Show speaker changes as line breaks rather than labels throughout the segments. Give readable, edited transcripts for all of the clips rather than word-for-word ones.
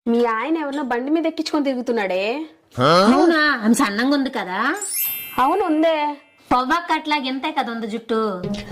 మీ ఆయన ఎవరినో బండి మీద ఎక్కించుకొని తిరుగుతున్నాడే.
అవునా? ఆమె సన్నంగా ఉంది కదా?
అవును ఉందే.
పొవ్వక్క అట్లా ఇంతే కదా ఉంది జుట్టు.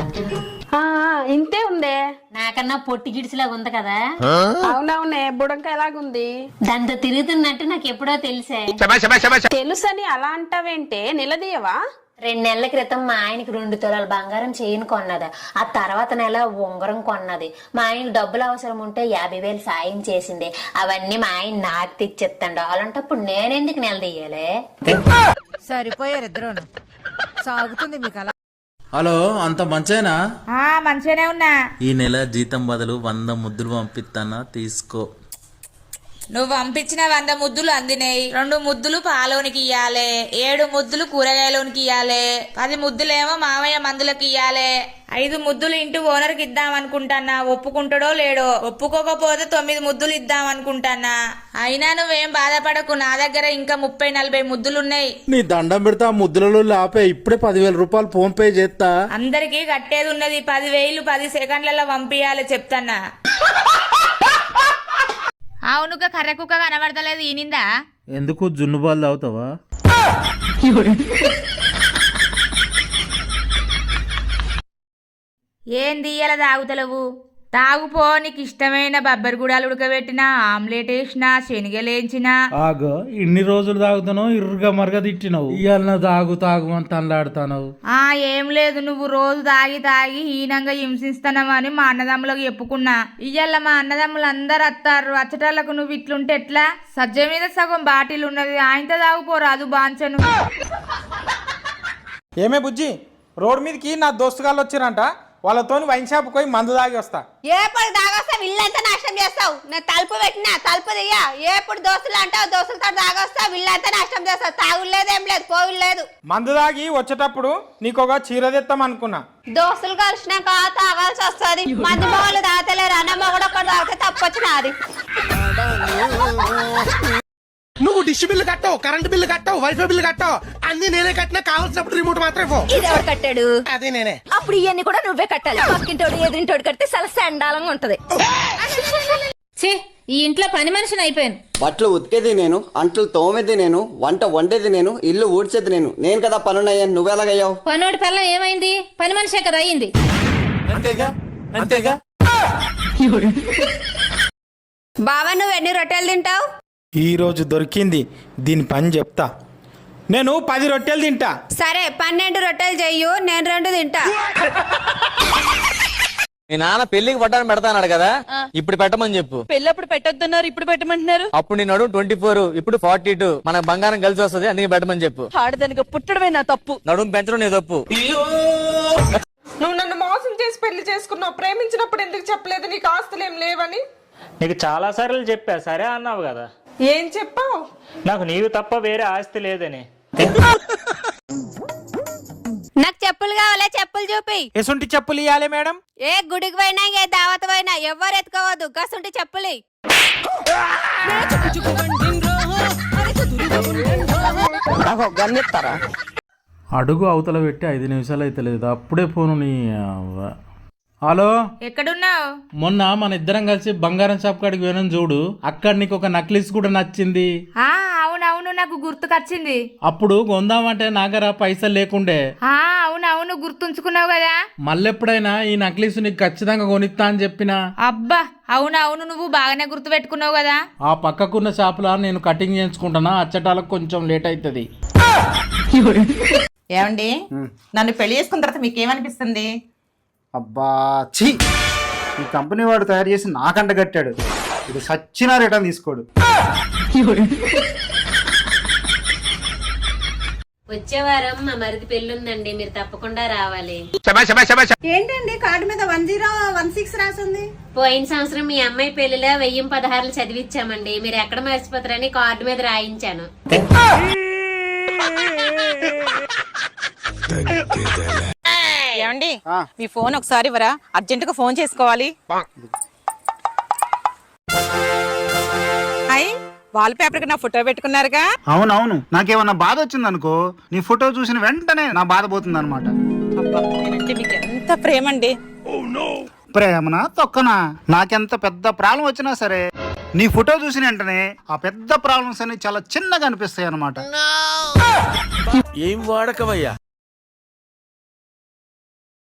ఇంతే ఉందే.
నాకన్నా పొట్టి గిడిసిలాగా ఉంది కదా?
అవునవునే, బుడంక ఎలాగుంది.
దాంతో తిరుగుతున్నట్టు నాకు ఎప్పుడో తెలిసే.
తెలుసని అలా అంటావేంటే, నిలదీయవా?
2 నెలల క్రితం మా ఆయనకి 2 తులాల బంగారం చైన్ కొన్నది. ఆ తర్వాత నెల ఉంగరం కొన్నది. మా ఆయనకి డబ్బులు అవసరం ఉంటే 50,000 సాయం చేసింది. అవన్నీ మా ఆయన నాకు తెచ్చిస్తాడు. అలాంటప్పుడు నేనెందుకు నిలదీయాలి?
సరిపోయారు ఇద్దరు. సాగుతుంది మీకు అలా.
హలో, అంత మంచేనా?
మంచిగానే ఉన్నా.
ఈ నెల జీతం బదులు 100 ముద్దులు పంపిస్తానా, తీసుకో.
నువ్వు పంపించిన 100 ముద్దులు అందినాయి. 2 ముద్దులు పాలోనికి ఇయ్యాలే, 7 ముద్దులు కూరగాయలోనికి ఇయ్యాలే, 10 ముద్దులేమో మామయ్య మందులకి ఇయ్యాలే, 5 ముద్దులు ఇంటి ఓనర్కి ఇద్దాం అనుకుంటానా. ఒప్పుకుంటాడో లేడో. ఒప్పుకోకపోతే 9 ముద్దులు ఇద్దాం అనుకుంటానా. అయినా నువ్వేం బాధపడకు, నా దగ్గర ఇంకా 30-40 ముద్దులున్నాయి.
నీ దండం పెడతా, ముద్దులలో ఆపే. ఇప్పుడే 10,000 రూపాయలు ఫోన్ పే చేస్తా.
అందరికి కట్టేది ఉన్నది. 10,000 10 సెకండ్లలో పంపియాలి చెప్తానా. అవునుగా కర్ర కుక్క కనబడతలేదు. ఈనిందా?
ఎందుకు జున్ను బాల్ తాగుతావా?
ఏంది ఇలా తాగుతలేవు? తాగుపో. నీకు ఇష్టమైన బబ్బరి గుడాలు ఉడకబెట్టినా, ఆమ్లెట్ వేసినా, శనగలేంచినా.
ఆగో, ఇన్ని రోజులు తాగుతాను, ఇరుగా మరగ తిట్టినావు. ఇవాళ తాగు తాగు అని తనలాడుతావు.
ఏం లేదు, నువ్వు రోజు తాగి తాగి హీనంగా హింసిస్తున్నావని మా అన్నదమ్ములకు చెప్పుకున్నా. ఇయ్యాల మా అన్నదమ్ములు అందరు వస్తారు. వచ్చటలకు నువ్వు ఇట్లుంటే ఎట్లా? సజ్జ మీద సగం బాటిల్ ఉన్నది, ఆయనతో తాగుపోరాదు బాంచను.
ఏమే బుజ్జి, రోడ్ మీదకి నా దోస్తుగాళ్ళు వచ్చిరంట. వాళ్ళతోని వైన్ షాప్ పోయి మందు తాగి వస్తా.
ఎప్పుడు తాగొస్తావు? ఇల్లంతా నాశనం చేస్తావు. నేను తలుపు పెట్టినా, తలుపు దియ్యా. ఎప్పుడు దోస్తులు అంటావు, దోస్తులతో తాగొస్తావు, ఇల్లంతా నాశనం చేస్తావు. తాగులేదు, ఏం లేదు, పోవులేదు.
మందు తాగి వచ్చేటప్పుడు నీకు ఒక చీర తెస్తాం అనుకున్నా.
దోస్తులు కలిసినాక తాగాల్సి వస్తుంది. మంది మొగలు తాగలేరు, అన్న మొగడు ఒకటి తాగితే తప్పొచ్చినది.
నువ్వు డిష్ బిల్లు కట్టావు, కరెంట్ బిల్లు కట్టావు, వైఫై బిల్లు కట్టావు, అన్ని నేనే కట్టినా. కావాల్సినప్పుడు రిమోట్ మాత్రమే.
ఇది ఎవరు కట్టాడు?
అదే నేనే.
అప్పుడు ఇవన్నీ కూడా నువ్వే కట్టాలి. పక్కింటోడు ఎదురింటోడు కడితే చాలా సండాలంగా ఉంటది.
ఈ ఇంట్లో పని మనిషిని అయిపోయాను.
బట్టలు ఉతికేది నేను, అంట్లు తోమేది నేను, వంట వండేది నేను, ఇల్లు ఊడ్చేది నేను. నేను కదా పనునయ్యాను, నువ్వెలాగయ్యావు?
పనోడి పిల్ల ఏమైంది? పని మనిషే కదా అయింది.
అంతేగా అంతేగా.
బావా, నువ్వు ఎన్ని రొట్టెలు తింటావు?
ఈ రోజు దొరికింది, దీని పని చెప్తా. నేను 10 రొట్టెలు తింటా.
సరే, 12 రొట్టెలు చెయ్యు, నేను 2 తింటా.
మీ నాన్న పెళ్లికి పట్టాను పెడతాన్నాడు కదా, ఇప్పుడు పెట్టమని చెప్పు.
పెళ్ళప్పుడు పెట్టొద్దన్నారు, ఇప్పుడు పెట్టమంటున్నారు.
అప్పుడు నేను 24, ఇప్పుడు 42. మనకు బంగారం కలిసి వస్తుంది, అందుకే పెట్టమని చెప్పు.
ఆడదానికి పుట్టడమే నా తప్పు,
నడుము పెంచడం నీ తప్పు.
నువ్వు నన్ను మోసం చేసి పెళ్లి చేసుకున్నావు. ప్రేమించినప్పుడు ఎందుకు చెప్పలేదు నీకు ఆస్తులు ఏం లేవని?
నీకు చాలా సార్లు చెప్పా, సరే అన్నావు కదా.
ఏం చెప్పావు?
నాకు నీవు తప్ప వేరే ఆస్తి లేదని.
నాకు చెప్పులు కావాలా? చెప్పులు చూపి.
ఎసుంటి చెప్పులు ఇవ్వాలి మేడం.
ఏ గుడికి పోయినా, ఏ దావత్ పోయినా ఎవరు ఎత్తుకోవద్దు. గసుంటి చెప్పులు.
అడుగు అవతల పెట్టి 5 నిమిషాలు అయితే లేదు, అప్పుడే ఫోను. నీ హలో,
ఎక్కడున్నావు?
మొన్న మన ఇద్దరం కలిసి బంగారం షాప్ కాడికి పోయినాం చూడు, అక్కడ నీకు ఒక నక్లీస్ కూడా నచ్చింది.
అవునవును, నాకు గుర్తుకొచ్చింది.
అప్పుడు కొందామంటే నాగర పైసలు లేకుండే.
అవునవును, గుర్తుంచుకున్నావు కదా.
మళ్ళెప్పుడైనా ఈ నక్లీస్ నీకు ఖచ్చితంగా కొనిస్తా అని చెప్పిన.
అబ్బా, అవునవును, నువ్వు బాగానే గుర్తు పెట్టుకున్నావు కదా.
ఆ పక్కకున్న షాపులో నేను కటింగ్ చేయించుకుంటున్నా, అచ్చటాలకు కొంచెం లేట్ అవుతుంది.
ఏమండి, నన్ను పెళ్లి చేసుకున్న తర్వాత మీకేమనిపిస్తుంది?
అబ్బా ఛీ, ఈ కంపెనీ వాడు తయారు చేసి నాకంట కట్టాడు. ఇది సచ్చినా రిటర్న్ తీసుకోడు.
వచ్చే వారం మా మరిది పెళ్ళుందండి, మీరు తప్పకుండా రావాలి.
ఏంటండి కార్డు మీద 1016 రాసింది?
పోయిన సంవత్సరం మీ అమ్మాయి పెళ్లిలో 1016 చదివించామండి. మీరు ఎక్కడ మర్చిపోతారని కార్డు మీద రాయించాను.
ఏమండి, మీ ఫోన్ ఒకసారి ఇవ్వరా? అర్జెంట్ గా ఫోన్ చేసుకోవాలి. వాల్ పేపర్ కి నా ఫోటో పెట్టుకున్నారుగా.
అవునవును, నాకేమన్నా బాధ వచ్చిందనుకో, నీ ఫోటో చూసిన వెంటనే నా బాధ పోతుంది అనమాట.
నేనంటే మీకు ఎంత ప్రేమ అండి.
ప్రేమనా తొక్కనా, నాకెంత పెద్ద ప్రాబ్లం వచ్చినా సరే నీ ఫోటో చూసిన వెంటనే ఆ పెద్ద ప్రాబ్లమ్స్ అన్ని చాలా చిన్నగా అనిపిస్తాయి అన్నమాట.
ఏం వాడకవయ్యా